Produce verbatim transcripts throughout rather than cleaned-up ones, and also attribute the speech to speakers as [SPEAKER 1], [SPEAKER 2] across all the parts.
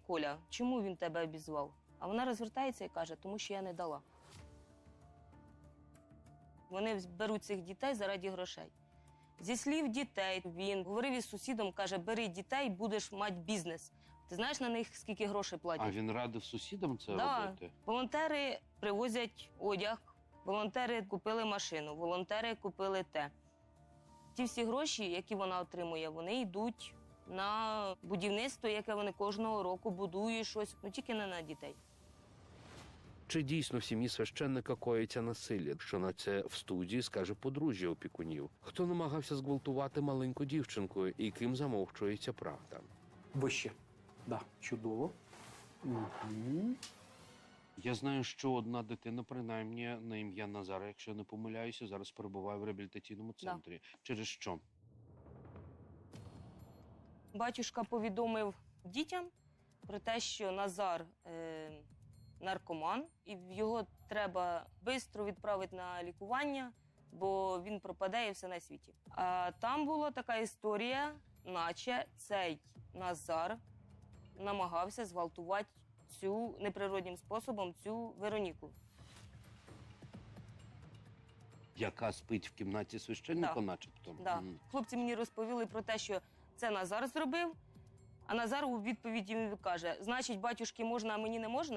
[SPEAKER 1] Коля, чому він тебе обізвав? А вона розвертається і каже, тому що я не дала. Вони беруть цих дітей заради грошей. Зі слів дітей, він говорив із сусідом, каже, бери дітей, будеш мати бізнес. Ти знаєш на них, скільки грошей платять?
[SPEAKER 2] А він радив сусідам це
[SPEAKER 1] Да.
[SPEAKER 2] робити?
[SPEAKER 1] Волонтери привозять одяг, волонтери купили машину, волонтери купили те. Ті всі гроші, які вона отримує, вони йдуть на будівництво, яке вони кожного року будують щось, ну тільки не на дітей.
[SPEAKER 3] Чи дійсно в сім'ї священника коїться насилля? Що на це в студії скаже подружжя опікунів? Хто намагався зґвалтувати маленьку дівчинку і ким замовчується правда?
[SPEAKER 4] Вище. Да, чудово. Угу.
[SPEAKER 2] Я знаю, що одна дитина, принаймні, на ім'я Назара, якщо я не помиляюся, зараз перебуває в реабілітаційному центрі. Да. Через що?
[SPEAKER 1] Батюшка повідомив дітям про те, що Назар е, наркоман, і його треба швидко відправити на лікування, бо він пропаде і все на світі. А там була така історія, наче цей Назар намагався зґвалтувати цю неприродним способом цю Вероніку.
[SPEAKER 2] Яка спить в кімнаті священника,
[SPEAKER 1] Да.
[SPEAKER 2] начебто?
[SPEAKER 1] Да.
[SPEAKER 2] Мгм.
[SPEAKER 1] Хлопці мені розповіли про те, що це Назар зробив, а Назар у відповіді йому каже, значить, батюшки можна, а мені не можна?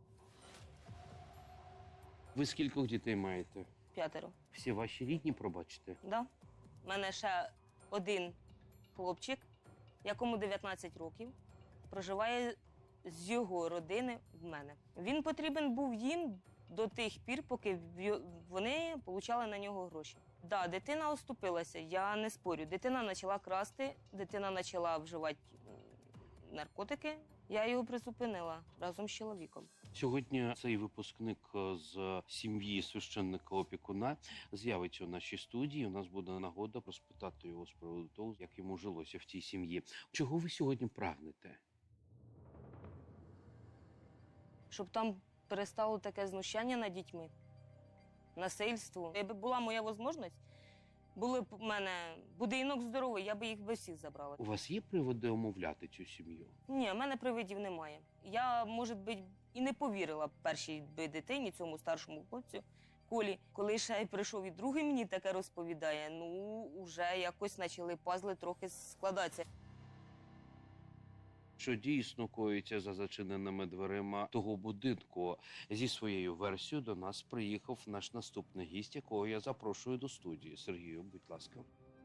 [SPEAKER 2] Ви скількох дітей маєте?
[SPEAKER 1] П'ятеро.
[SPEAKER 2] Всі ваші рідні, пробачте?
[SPEAKER 1] Да. У мене ще один хлопчик, якому дев'ятнадцять років, проживає з його родини в мене. Він потрібен був їм до тих пір, поки в- вони отримали на нього гроші. Да, дитина оступилася, я не спорю. Дитина почала красти, дитина почала вживати м, наркотики. Я його призупинила разом з чоловіком.
[SPEAKER 2] Сьогодні цей випускник з сім'ї священника-опікуна з'явиться у нашій студії. У нас буде нагода розпитати його з приводу того, як йому жилося в цій сім'ї. Чого ви сьогодні прагнете?
[SPEAKER 1] Щоб там перестало таке знущання над дітьми, насильство. Якби була моя можливість, були б у мене будинок здоровий, я би їх би всіх забрала.
[SPEAKER 2] У вас є приводи омовляти цю сім'ю?
[SPEAKER 1] Ні, в мене привидів немає. Я, може бути, і не повірила першій би дитині, цьому старшому хлопцю, Колі. Коли ще й прийшов і другий мені таке розповідає, ну, вже якось почали пазли трохи складатися.
[SPEAKER 2] Що дійсно коїться за зачиненими дверима того будинку. Зі своєю версією до нас приїхав наш наступний гість, якого я запрошую до студії. Сергію, будь ласка.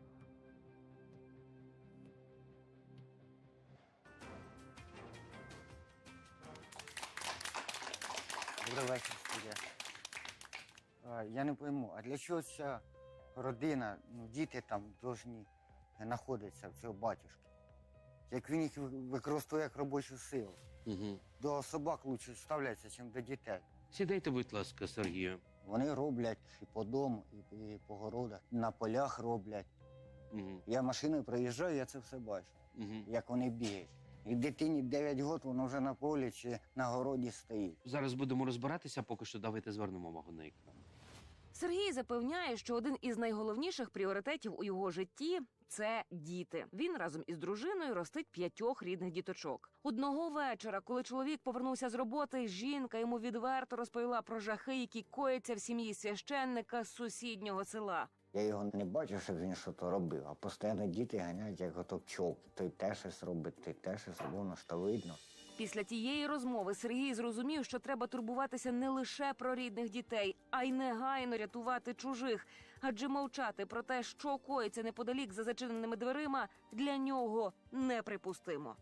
[SPEAKER 5] Добрий вечір, студія. А, Я не пойму, а для чого ця родина, ну, діти там повинні знаходитися в цього батюшки? Як він їх використовує як робочу силу.
[SPEAKER 2] Угу.
[SPEAKER 5] До собак краще ставляться, ніж до дітей.
[SPEAKER 2] Сідайте, будь ласка, Сергію.
[SPEAKER 5] Вони роблять і по дому, і, і по городах, на полях роблять.
[SPEAKER 2] Угу.
[SPEAKER 5] Я машиною проїжджаю, я це все бачу,
[SPEAKER 2] Угу.
[SPEAKER 5] як вони бігають. І дитині дев'ять років, воно вже на полі чи на городі стоїть.
[SPEAKER 2] Зараз будемо розбиратися, поки що давайте звернемо увагу на екран.
[SPEAKER 6] Сергій запевняє, що один із найголовніших пріоритетів у його житті – це діти. Він разом із дружиною ростить п'ятьох рідних діточок. Одного вечора, коли чоловік повернувся з роботи, жінка йому відверто розповіла про жахи, які кояться в сім'ї священника з сусіднього села.
[SPEAKER 5] Я його не бачу, щоб він щось робив, а постійно діти ганяють, як ото пчолки. Той теж щось робить, той теж щось робить, воно ж то видно.
[SPEAKER 6] Після тієї розмови Сергій зрозумів, що треба турбуватися не лише про рідних дітей, а й негайно рятувати чужих. Адже мовчати про те, що коїться неподалік за зачиненими дверима, для нього неприпустимо.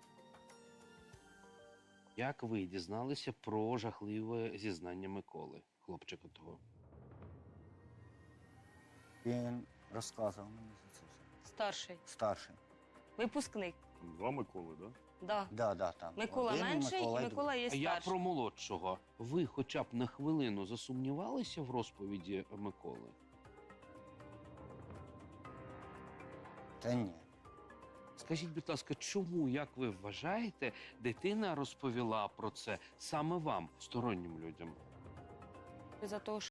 [SPEAKER 2] Як ви дізналися про жахливе зізнання Миколи, хлопчика того?
[SPEAKER 5] Він розказував мені за це все.
[SPEAKER 1] Старший.
[SPEAKER 5] Старший.
[SPEAKER 1] Випускник.
[SPEAKER 7] Два Миколи, да?
[SPEAKER 1] Да.
[SPEAKER 5] Да, да, там.
[SPEAKER 1] Микола
[SPEAKER 5] Один,
[SPEAKER 1] менший
[SPEAKER 5] Микола
[SPEAKER 1] і
[SPEAKER 5] й
[SPEAKER 1] Микола є
[SPEAKER 2] А я
[SPEAKER 1] старший.
[SPEAKER 2] про молодшого. Ви хоча б на хвилину засумнівалися в розповіді Миколи?
[SPEAKER 5] другий. Та ні.
[SPEAKER 2] Скажіть, будь ласка, чому, як ви вважаєте, дитина розповіла про це саме вам, стороннім людям?
[SPEAKER 1] За того,